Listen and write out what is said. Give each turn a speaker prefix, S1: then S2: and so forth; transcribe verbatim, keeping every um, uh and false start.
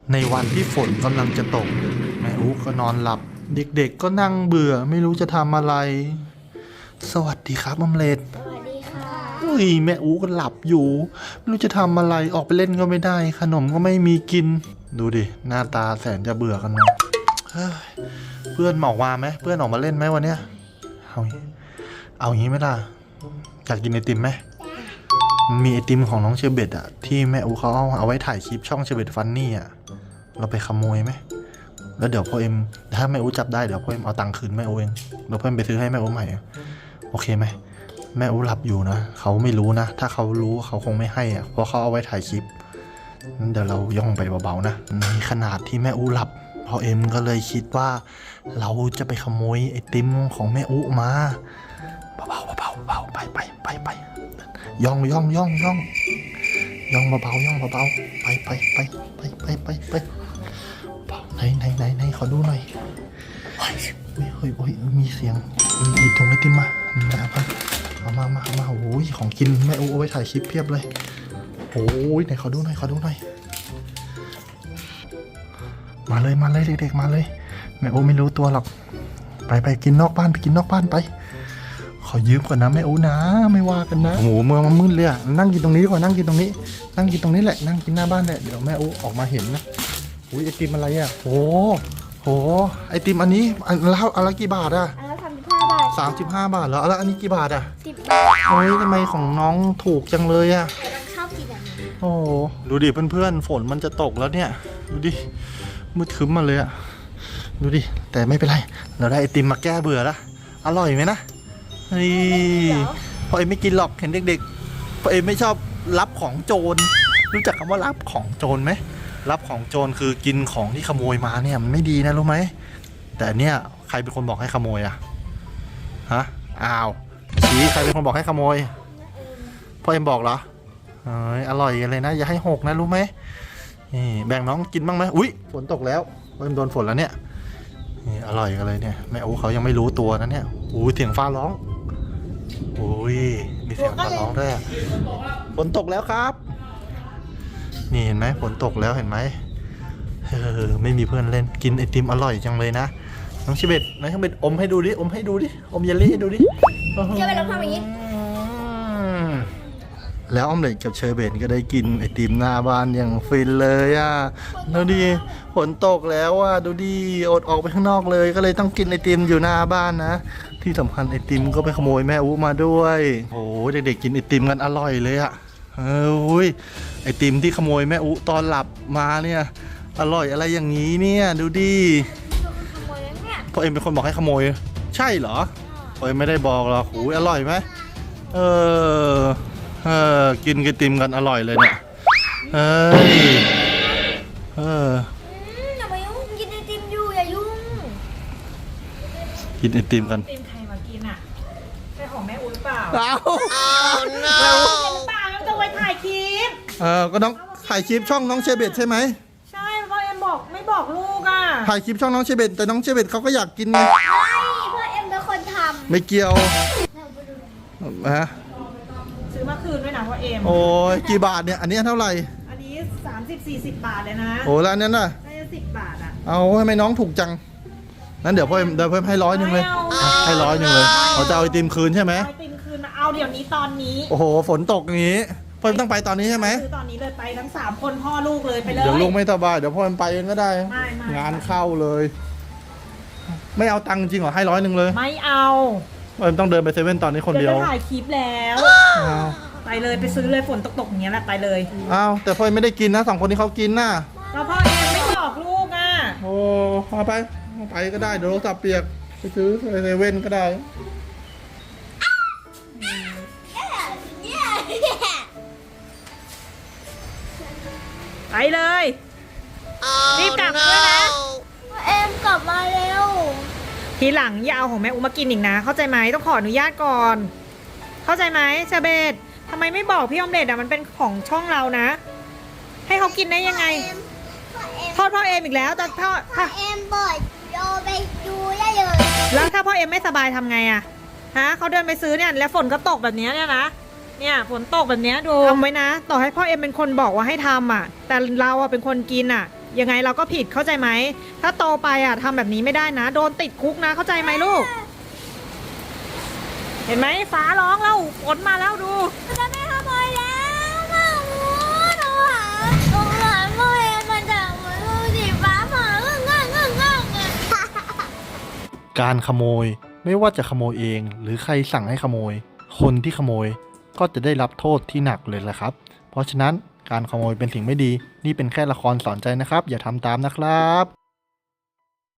S1: ในวันที่ฝนกำลังจะตกแม่อุ๊ก็นอนหลับเด็กๆก็นั่งเบื่อไม่รู้จะทำอะไรสวัสดีครับอมเล็ต
S2: สวัสดีค่ะ
S1: อุ้ยแม่อุ๊ก็หลับอยู่ไม่รู้จะทำอะไรออกไปเล่นก็ไม่ได้ขนมก็ไม่มีกินดูดิหน้าตาแสนจะเบื่อกันนะเพื่อนหมอกมาไหมเพื่อนออกมาเล่นไหมวันเนี้ยเอาเอาอย่างนี้ไหมล่ะอยากกินไอติมไหมมีไอติมของน้องเชอร์เบตอะที่แม่อูเขาเอาเอาไว้ถ่ายคลิปช่องเชอร์เบตฟันนี่อะเราไปขโมยไหมแล้วเดี๋ยวพ่อเอ็มถ้าแม่อูจับได้เดี๋ยวพ่อเอ็มเอาตังค์คืนแม่อูเองเดี๋ยวพ่อเอ็มไปซื้อให้แม่อูใหม่โอเคไหมแม่อูหลับอยู่นะเขาไม่รู้นะถ้าเขารู้เขาคงไม่ให้อะเพราะเขาเอาไว้ถ่ายคลิปเดี๋ยวเราย่องไปเบาๆนะในขนาดที่แม่อูหลับพ่อเอ็มก็เลยคิดว่าเราจะไปขโมยไอติมของแม่อูมาเบาๆเบาๆเบาๆไปไปไปไปย่องย่องย่องย่องย่องเบาๆย่องเบาๆไปไปไปไปไปไปไปไหนไหนไหนไหนขอดูหน่อยเฮ้ยเฮ้ยเฮ้ยมีเสียงหยิบถุงไอติมมาเอามาเอามาเอามาโอ้ยของกินแม่อูเอาไว้ถ่ายคลิปเพียบเลยโอ้ยไหนขอดูหน่อยขอดูหน่อยมาเลยมาเลยเด็กๆมาเลยแม่อูไม่รู้ตัวหรอกไปไปกินนอกบ้านไปกินนอกบ้านไปขอยืมก่อนนะแม่อูนะไม่ว่ากันนะโอ้โหเมื่อมันมืดเลยอะนั่งกินตรงนี้ดีกว่านั่งกินตรงนี้นั่งกินตรงนี้แหละนั่งกินหน้าบ้านแหละเดี๋ยวแม่อูออกมาเห็นนะอุ้ยไอติมอะไรอะโอ้โหไอติมอันนี้อันละอันละกี่บาทอะ
S2: อันละสามสิบห้าบาท
S1: สามสิบห้าบาทแล้วแล้วอันนี้กี่บาทอะ
S2: สิบบาท
S1: โอ้ยทำไมของน้องถูกจังเลยอะ
S2: แต่เราชอบกินแบบนี้
S1: โอ้ดูดิเพื่อนๆฝนมันจะตกแล้วเนี่ยดูดิมืดครึ้มมาเลยอะดูดิแต่ไม่เป็นไรเราได้ไอติมมาแก้เบื่อแล้วอร่อยไหมนะนี่พอเอ็มไม่กินหรอกเห็นเด็กๆพอเอ็มไม่ชอบรับของโจรรู้จักคำว่ารับของโจรไหมรับของโจรคือกินของที่ขโมยมาเนี่ยมันไม่ดีนะรู้ไหมแต่เนี่ยใครเป็นคนบอกให้ขโมยอะฮะอ้าวชี้ใครเป็นคนบอกให้ขโมยพ่อเอ็มบอกเหรอเอออร่อยกันเลยนะอย่าให้หกนะรู้ไหมนี่แบ่งน้องกินบ้างไหมอุ้ยฝนตกแล้วพ่อเอ็มโดนฝนแล้วเนี่ยนี่อร่อยกันเลยเนี่ยแม่โอ้เขายังไม่รู้ตัวนะเนี่ยอู้เสียงฟ้าร้องโอ้ยมีเสียงฟ้าร้องด้วยฝนตกแล้วครับนี่เห็นไหมฝนตกแล้วเห็นไหมเออไม่มีเพื่อนเล่นกินไอติมอร่อยจังเลยนะน้องชิเบตน้องชิเบตอมให้ดูดิอมให้ดูดิอมเยลลี่ให้ดูดิ
S2: เชื่อไปลองทำอย่างนี้
S1: แล้วออมเล็ตกับเชอร์เบตก็ได้กินไอติมหน้าบ้านอย่างฟินเลยอ่ะดูดิฝนตกแล้วอ่ะดูดิอดออกไปข้างนอกเลยก็เลยต้องกินไอติมอยู่หน้าบ้านนะที่สำคัญไอติมก็ไปขโมยแม่อูมาด้วยโอ้เด็กๆกินไอติมกันอร่อยเลยอ่ะเอออุ้ยไอติมที่ขโมยแม่อูตอนหลับมาเนี่ยอร่อยอะไรอย่างนี้เนี่ยดูดิพ่อเอ็มเป็นคนบอกให้ขโมยใช่เหรอพ่อเอ็มไม่ได้บอกหรอกโอ้ยอร่อยไหมเออเออกินไอติมกันอร่อยเลยเนี่ยเฮ้ยเออ
S2: อย่ามายุ่งกินไอติมอยู่อย่ายุ่ง
S1: กินไอติมกัน
S3: ไอติมใครมากินอ่ะใช่ของแม่อุ้ยเปล่า
S1: เอา
S3: แม่อุ้ยเปล่าแล้วจะไปถ่ายคลิป
S1: เออก็น้องถ่ายคลิปช่องน้องเชเบตใช่ไหม
S3: ใช่เพราะเอ็มบอกไม่บอกลูกอ่ะ
S1: ถ่ายคลิปช่องน้องเชเบตแต่น้องเชเบตเขาก็อยากกินไง
S2: ไม่เพราะเอ็มเป็นคนทำ
S1: ไม่เกี่ยวฮะ
S3: ซื้อมาคืนด้วยนะพ่อเอ็ม
S1: โอ้ยกี่บาทเนี่ยอันนี้เท่าไหร่
S3: อันนี้สามสิบสี่สิบบาทเลยนะ
S1: โอ้แล้วอันนั้นน่ะ
S3: ได้สิบบาทอ่ะ
S1: เอาทำไมน้องถูกจังนั้นเดี๋ยวพ่อเดี๋ยวเพิ่มให้ร้อยหนึ่งเลยให้ร้อยหนึ่งเลยเขาจะเอาไอติมคืนใช่ไหม
S3: ไอติมคืนมาเอาเดี๋ยวนี้ตอนนี้
S1: โอ้โหฝนตกอย่างนี้พ่อต้องไปตอนนี้ใช่ไหม
S3: ซื้อตอนนี้เลยไปทั้งสามคนพ่อลูกเลยไปเลย
S1: เดี๋ยวลูกไม่สบายเดี๋ยวพ่อไปเองก็ได้งานเข้าเลยไม่เอาตังค์จริงเหรอให้ร้อยหนึ่งเลย
S3: ไม่เอา
S1: พ่อต้องเดินไปเซเว่นตอนนี้คนเดียว
S3: จะถ่ายคลิปแล้วไปเลยไปซื้อเลยฝนตกๆอย่างเงี้ยแหละไปเลย
S1: อ้าวแต่พ่อไม่ได้กินนะสองคนนี้เขากินน่ะ
S3: แล้วพ่อเองไม่บอกลูกอ่ะ
S1: โอ้เอาไปเอาไปก็ได้เดี๋ยวรถสับเปียกไปซื้อเซเว่นก็ได้
S3: ไปเลยรีบกลับด้วยนะ
S2: เอ็มกลับมาเร็ว
S3: ทีหลังอย่าเอาของแม่อุ้มมากินอีกนะเข้าใจไหมต้องขออนุญาตก่อนเข้าใจไหมเชเบตทำไมไม่บอกพี่ออมเล็ตอ่ะมันเป็นของช่องเรานะให้เขากินได้ยังไงโทษพ่อเอ็มอีกแล้วแต่พ่อ
S2: พ่อเอ็มบอยโยไปดูได้เลย
S3: แล้วถ้าพ่อเอ็มไม่สบายทำไงอ่ะฮะเขาเดินไปซื้อเนี่ยแล้วฝนก็ตกแบบนี้เนี่ยนะเนี่ยฝนตกแบบนี้ดูทำไว้นะต่อให้พ่อเอ็มเป็นคนบอกว่าให้ทำอ่ะแต่เราอ่ะเป็นคนกินอ่ะยังไงเราก็ผิดเข้าใจไหมถ้าโตไปอ่ะทำแบบนี้ไม่ได้นะ โดนติดคุกนะเข้าใจไหมลูก เห็นไหมฟ้าร้องแล้วฝนมาแล้วดู
S2: จะไม่ขโมยแล้วมาหมูหนูหาหนูหาพ่อเอ็มมันจะเหมือนลูกสีฟ้าผ่าเงื่อนเงื่อนเงื่อนเงื่อนเงื่อน
S1: การขโมยไม่ว่าจะขโมยเองหรือใครสั่งให้ขโมย คนที่ขโมยก็จะได้รับโทษที่หนักเลยแหละครับ เพราะฉะนั้นการขโมยเป็นสิ่งไม่ดีนี่เป็นแค่ละครสอนใจนะครับ อย่าทำตามนะครับ